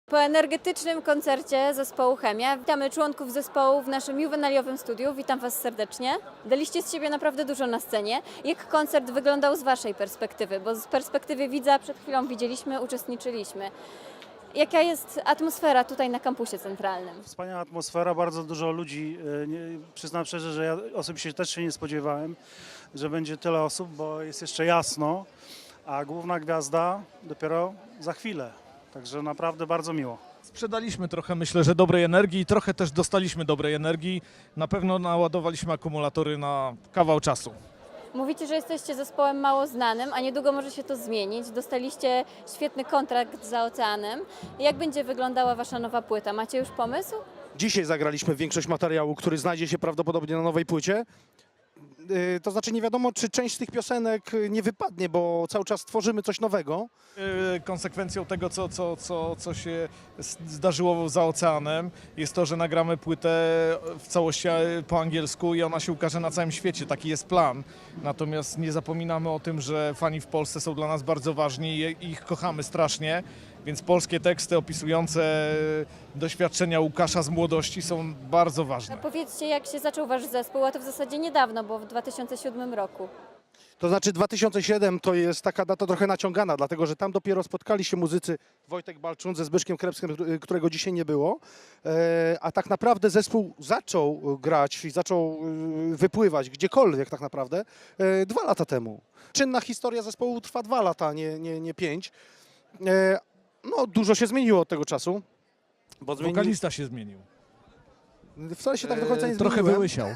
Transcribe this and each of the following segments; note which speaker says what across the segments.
Speaker 1: Po energetycznym koncercie zespołu Chemia witamy członków zespołu w naszym juwenaliowym studiu. Witam Was serdecznie. Daliście z siebie naprawdę dużo na scenie. Jak koncert wyglądał z Waszej perspektywy? Bo z perspektywy widza przed chwilą widzieliśmy, uczestniczyliśmy. Jaka jest atmosfera tutaj na kampusie centralnym?
Speaker 2: Wspaniała atmosfera, bardzo dużo ludzi. Przyznam szczerze, że ja osobiście też się nie spodziewałem, że będzie tyle osób, bo jest jeszcze jasno, a główna gwiazda dopiero za chwilę. Także naprawdę bardzo miło.
Speaker 3: Sprzedaliśmy trochę, myślę, że dobrej energii i trochę też dostaliśmy dobrej energii. Na pewno naładowaliśmy akumulatory na kawał czasu.
Speaker 1: Mówicie, że jesteście zespołem mało znanym, a niedługo może się to zmienić. Dostaliście świetny kontrakt za oceanem. Jak będzie wyglądała Wasza nowa płyta? Macie już pomysł?
Speaker 4: Dzisiaj zagraliśmy większość materiału, który znajdzie się prawdopodobnie na nowej płycie. To znaczy nie wiadomo, czy część z tych piosenek nie wypadnie, bo cały czas tworzymy coś nowego.
Speaker 3: Konsekwencją tego, co się zdarzyło za oceanem, jest to, że nagramy płytę w całości po angielsku i ona się ukaże na całym świecie. Taki jest plan. Natomiast nie zapominamy o tym, że fani w Polsce są dla nas bardzo ważni i ich kochamy strasznie. Więc polskie teksty opisujące doświadczenia Łukasza z młodości są bardzo ważne.
Speaker 1: Powiedzcie, jak się zaczął Wasz zespół, a to w zasadzie niedawno, bo w 2007 roku.
Speaker 4: To znaczy 2007 to jest taka data trochę naciągana, dlatego że tam dopiero spotkali się muzycy Wojtek Balczun ze Zbyszkiem Krebskim, którego dzisiaj nie było, a tak naprawdę zespół zaczął grać i zaczął wypływać gdziekolwiek tak naprawdę 2 lata temu. Czynna historia zespołu trwa 2 lata, nie 5. No dużo się zmieniło od tego czasu. Bo
Speaker 3: Wokalista się zmienił.
Speaker 4: Wcale się tak do końca nie
Speaker 3: Trochę
Speaker 4: zmieniłem.
Speaker 3: wyłysiał.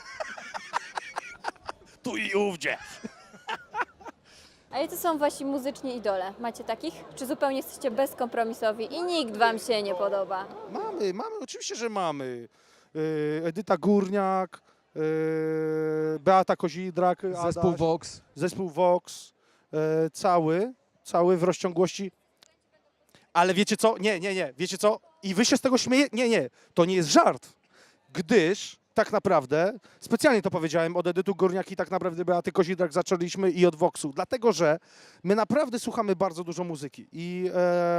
Speaker 4: Tu i ówdzie.
Speaker 1: A jacy są Wasi muzyczni idole? Macie takich? Czy zupełnie jesteście bezkompromisowi i nikt Wam się nie podoba?
Speaker 4: Mamy, oczywiście, że mamy. Edyta Górniak, Beata Kozidrak,
Speaker 3: Zespół
Speaker 4: Adaś,
Speaker 3: Vox.
Speaker 4: zespół Vox, cały w rozciągłości. Ale wiecie co? Nie, wiecie co? I wy się z tego śmieje? Nie, to nie jest żart. Gdyż tak naprawdę, specjalnie to powiedziałem, od Edytu Górniak i tak naprawdę Beaty Kozidrak zaczęliśmy i od Voxu. Dlatego, że my naprawdę słuchamy bardzo dużo muzyki. I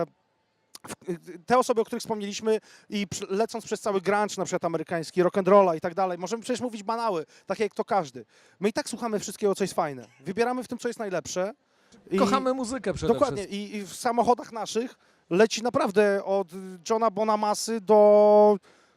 Speaker 4: te osoby, o których wspomnieliśmy i lecąc przez cały grunge, na przykład amerykański, rock'n'rolla i tak dalej, możemy przecież mówić banały, takie jak to każdy. My i tak słuchamy wszystkiego, co jest fajne. Wybieramy w tym, co jest najlepsze.
Speaker 3: Kochamy muzykę przede
Speaker 4: Dokładnie.
Speaker 3: wszystkim.
Speaker 4: I w samochodach naszych leci naprawdę od Johna Bonamassy do...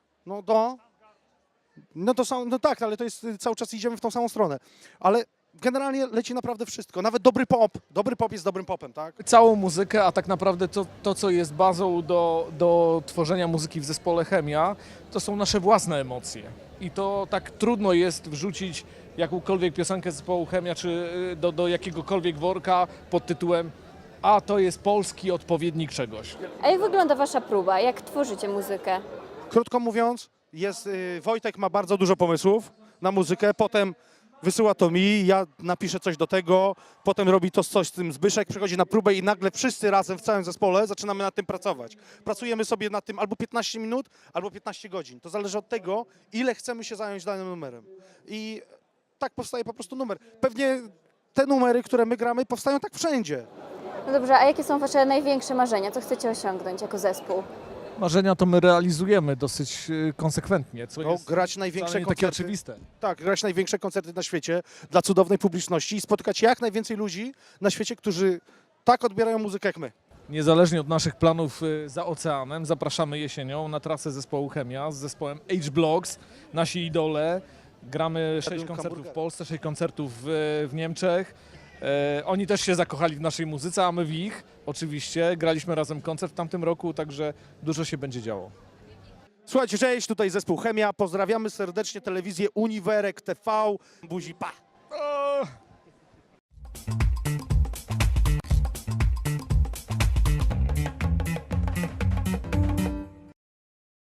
Speaker 4: No tak, ale to jest cały czas idziemy w tą samą stronę. Ale generalnie leci naprawdę wszystko. Nawet dobry pop. Dobry pop jest dobrym popem, tak?
Speaker 3: Całą muzykę, a tak naprawdę to co jest bazą do tworzenia muzyki w zespole Chemia, to są nasze własne emocje. I to tak trudno jest wrzucić jakąkolwiek piosenkę zespołu Chemia, czy do jakiegokolwiek worka pod tytułem a to jest polski odpowiednik czegoś.
Speaker 1: A jak wygląda Wasza próba? Jak tworzycie muzykę?
Speaker 4: Krótko mówiąc, Wojtek ma bardzo dużo pomysłów na muzykę, potem wysyła to mi, ja napiszę coś do tego, potem robi to coś z tym Zbyszek, przychodzi na próbę i nagle wszyscy razem w całym zespole zaczynamy nad tym pracować. Pracujemy sobie nad tym albo 15 minut, albo 15 godzin. To zależy od tego, ile chcemy się zająć danym numerem. I tak powstaje po prostu numer. Pewnie te numery, które my gramy, powstają tak wszędzie.
Speaker 1: No dobrze, a jakie są Wasze największe marzenia? Co chcecie osiągnąć jako zespół?
Speaker 3: Marzenia to my realizujemy dosyć konsekwentnie, co
Speaker 4: No,
Speaker 3: jest
Speaker 4: grać największe
Speaker 3: wcale nie takie
Speaker 4: koncerty.
Speaker 3: oczywiste.
Speaker 4: Tak, grać największe koncerty na świecie dla cudownej publiczności i spotkać jak najwięcej ludzi na świecie, którzy tak odbierają muzykę jak my.
Speaker 3: Niezależnie od naszych planów za oceanem, zapraszamy jesienią na trasę zespołu Chemia z zespołem H-Blocks, nasi idole. Gramy 6 koncertów w
Speaker 4: hamburgery.
Speaker 3: Polsce, 6 koncertów w Niemczech. Oni też się zakochali w naszej muzyce, a my w ich. Oczywiście graliśmy razem koncert w tamtym roku, także dużo się będzie działo.
Speaker 4: Słuchajcie, cześć, tutaj zespół Chemia. Pozdrawiamy serdecznie telewizję Uniwerek TV. Buzi, pa!
Speaker 3: O!